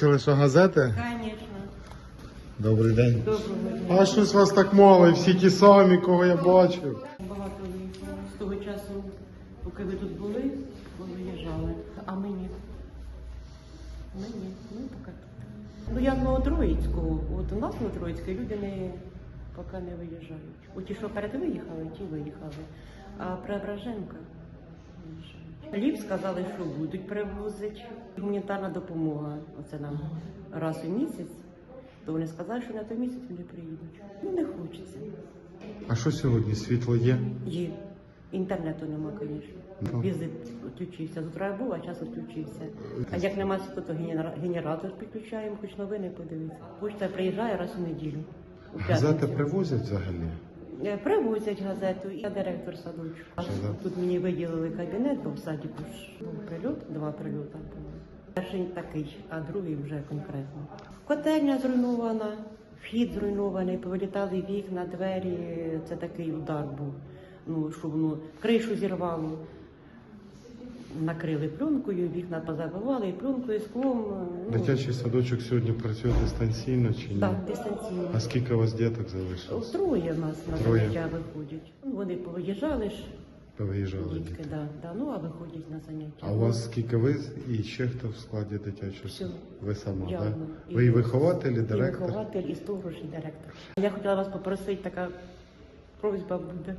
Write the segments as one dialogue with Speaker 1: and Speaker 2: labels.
Speaker 1: Бачили, що газети?
Speaker 2: Звісно.
Speaker 1: Добрий день.
Speaker 2: Доброго дня.
Speaker 1: А щось вас так мало, і всі ті самі, кого я бачив.
Speaker 2: Багато виїхало. З того часу, поки ви тут були, ви виїжджали. А ми ні. Ми ні. Ми поки тут. Ну я з Новотроїцького. От у нас Новотроїцьке люди поки не виїжджають. От ті, що перед виїхали, ті виїхали. А Преображенка виїжджають. Хліб сказали, що будуть привозити. Гуманітарна допомога. Оце нам раз у місяць. То вони сказали, що на той місяць вони приїдуть. Ну не хочеться.
Speaker 1: А що сьогодні? Світло є?
Speaker 2: Є. Інтернету нема, звісно. Візит відключився. З утра я був, а час відключився. А як нема світла, то генератор підключаємо, хоч новини подивитися. Почта приїжджає раз у неділю. У
Speaker 1: Газети
Speaker 2: п'ятницю.
Speaker 1: привозять взагалі?
Speaker 2: Привозять газету. Я директор садочку.
Speaker 1: Газет.
Speaker 2: Тут мені виділили кабінет, бо в садіку ж був прильот, 2 прильоти було. Перший такий, а другий вже конкретно. Котельня зруйнована, вхід зруйнований, повилітали вікна, двері. Це такий удар був. Ну, що воно кришу зірвало. Накрили пленкою, вікна позабивали, і пленкою, і склом. Ну,
Speaker 1: Дитячий садочок сьогодні працює дистанційно чи ні?
Speaker 2: так, дистанційно.
Speaker 1: А скільки у вас діток залишилось?
Speaker 2: Троє в нас на
Speaker 1: Троє.
Speaker 2: заняття виходять. Ну, вони повиїжджали ж,
Speaker 1: Повиїжджали
Speaker 2: дітки,
Speaker 1: діти.
Speaker 2: да, ну, а виходять на заняття.
Speaker 1: А у вас скільки ви і ще хто в складі дитячого
Speaker 2: Всьо.
Speaker 1: садочку? Ви сама,
Speaker 2: Я
Speaker 1: так?
Speaker 2: одна.
Speaker 1: Ви і вихователь, і
Speaker 2: І
Speaker 1: директор?
Speaker 2: вихователь, і сторож, і директор. Я хотіла вас попросити, така просьба буде.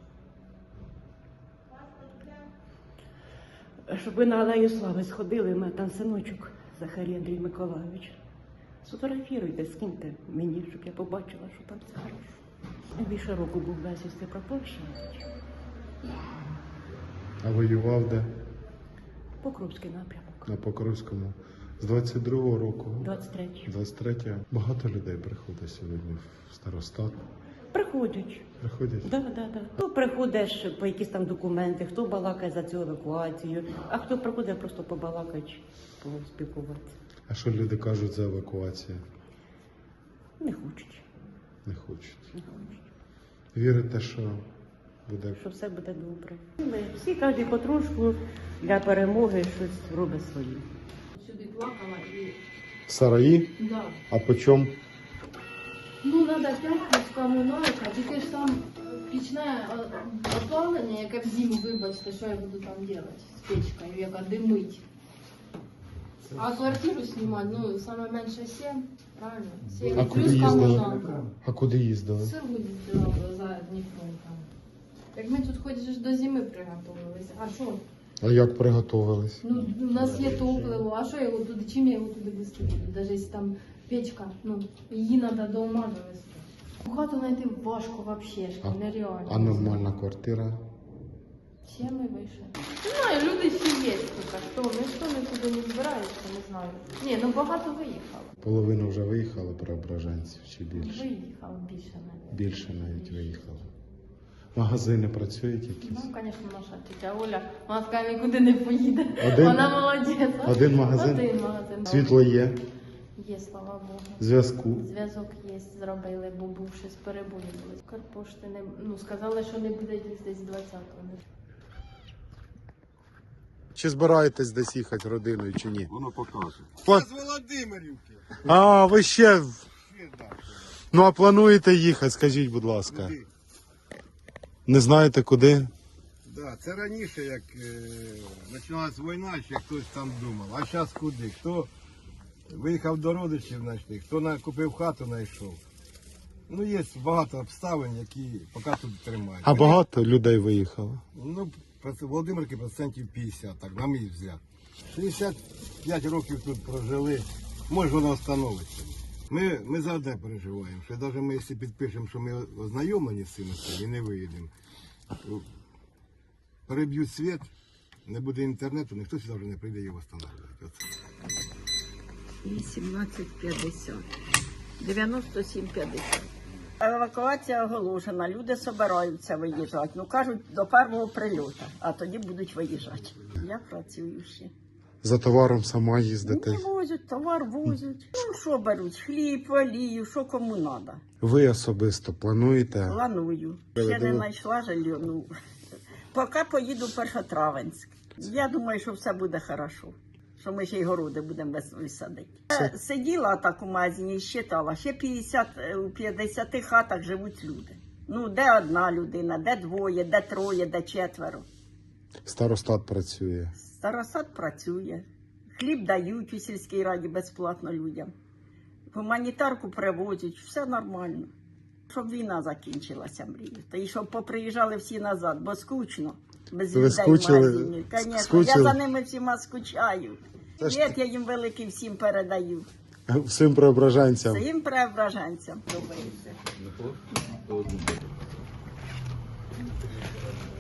Speaker 2: Щоб ви на Алею Слави сходили, у мене там синочок Захарій Андрій Миколайович. Сфотографіруйте, скиньте мені, щоб я побачила, що там це хорошо. Більше року був безвісти пропавший.
Speaker 1: А воював де?
Speaker 2: Покровський напрямок.
Speaker 1: На Покровському. З 22-го року?
Speaker 2: 23.
Speaker 1: 23-го. Багато людей приходить сьогодні в старостат.
Speaker 2: Приходять.
Speaker 1: Приходять?
Speaker 2: Да. Хто приходиш по якісь там документи, хто балакає за цю евакуацію, а хто приходить просто побалакати, поспілкуватися.
Speaker 1: А що люди кажуть за евакуацію?
Speaker 2: Не хочуть.
Speaker 1: Не хочуть.
Speaker 2: Не хочуть.
Speaker 1: Вірите, що буде?
Speaker 2: Що все буде добре. Ми всі кожен потрошку для перемоги щось робить своє.
Speaker 3: Сюди плакала і...
Speaker 1: Сараї?
Speaker 3: Да.
Speaker 1: А по чому?
Speaker 3: Ну, треба 5 плюс комуналка, тільки ж там пічне опалення, яке в зиму, вибачте, що я буду там робити з печкою, яка димить. А квартиру знімати, ну, саме менше 7, правильно? 7
Speaker 1: А куди
Speaker 3: плюс
Speaker 1: їздили?
Speaker 3: комуналка.
Speaker 1: А куди їздили?
Speaker 3: Село їздила за Дніпром там. Так ми тут хоч же ж до зими приготувалися. А що?
Speaker 1: А як приготувались?
Speaker 3: Ну, у нас є топливо, а що я його туди, чим я його туди вести буду? Навіть якщо там печка, ну, її треба до ума довести. Хату знайти важко взагалі, нереально.
Speaker 1: А нормальна квартира?
Speaker 3: Всі ми вийшли. Не знаю, люди ще є тут, хто, ніхто нікуди не збирається, не знаю. Ні, ну багато виїхало.
Speaker 1: Половина вже виїхала преображенців чи більше?
Speaker 3: Виїхало більше навіть.
Speaker 1: Більше навіть виїхало. Магазини працюють якісь?
Speaker 3: Ну, звісно, наша тетя Оля, вона сказала, нікуди не поїде.
Speaker 1: Один?
Speaker 3: Вона молодець.
Speaker 1: Один магазин?
Speaker 3: Один магазин.
Speaker 1: Світло є?
Speaker 3: Є, слава Богу.
Speaker 1: Зв'язку?
Speaker 3: Зв'язок є, зробили, бо був щось перебої були. Карпошти не, ну, сказали, що не буде десь 20-го.
Speaker 1: Чи збираєтесь десь їхати родиною чи ні?
Speaker 4: Воно покаже.
Speaker 1: Пла-
Speaker 4: З Володимирівки.
Speaker 1: А, ви ще...
Speaker 4: Ще далі.
Speaker 1: Ну а плануєте їхати, скажіть, будь ласка.
Speaker 4: Куди?
Speaker 1: Не знаєте куди?
Speaker 4: Да, це раніше, як починалась війна, ще хтось там думав. А зараз куди? Хто виїхав до родичів знайшли, хто купив хату, знайшов. Ну, є багато обставин, які поки тут тримають.
Speaker 1: А багато людей виїхало?
Speaker 4: Ну, Володимирки процентів 50, так, на мій взгляд. 65 років тут прожили, може воно встановиться. Ми за одне переживаємо, що навіть ми, якщо підпишемо, що ми ознайомлені з цим і не виїдемо, переб'ють світ, не буде інтернету, ніхто сюди вже не прийде його встановлювати.
Speaker 5: 18,50. 97,50. Евакуація оголошена, люди збираються виїжджати. Ну, кажуть, до першого прильоту, а тоді будуть виїжджати. Я працюю ще.
Speaker 1: За товаром сама їздите?
Speaker 5: Не возять, товар возять. Ну, що беруть? Хліб, олію, що кому треба.
Speaker 1: Ви особисто плануєте?
Speaker 5: Планую. Ще не знайшла жилье. Ну, поки поїду в Першотравенськ. Я думаю, що все буде добре. що ми ще й городи будемо весною садити. Я сиділа так у магазині і считала, ще 50, у 50 хатах живуть люди. Ну, де одна людина, де двоє, де троє, де четверо.
Speaker 1: Старостат працює.
Speaker 5: Старостат працює. Хліб дають у сільській раді безплатно людям. Гуманітарку привозять, все нормально. Щоб війна закінчилася, мрію. Та й щоб поприїжджали всі назад, бо скучно. Без
Speaker 1: Ви
Speaker 5: людей
Speaker 1: скучили?
Speaker 5: в магазині. Конечно,
Speaker 1: Скучили?
Speaker 5: я за ними всіма скучаю.
Speaker 1: Та ж
Speaker 5: Привіт, я їм великий всім передаю.
Speaker 1: Всім преображенцям.
Speaker 5: Всім преображенцям. Подобається.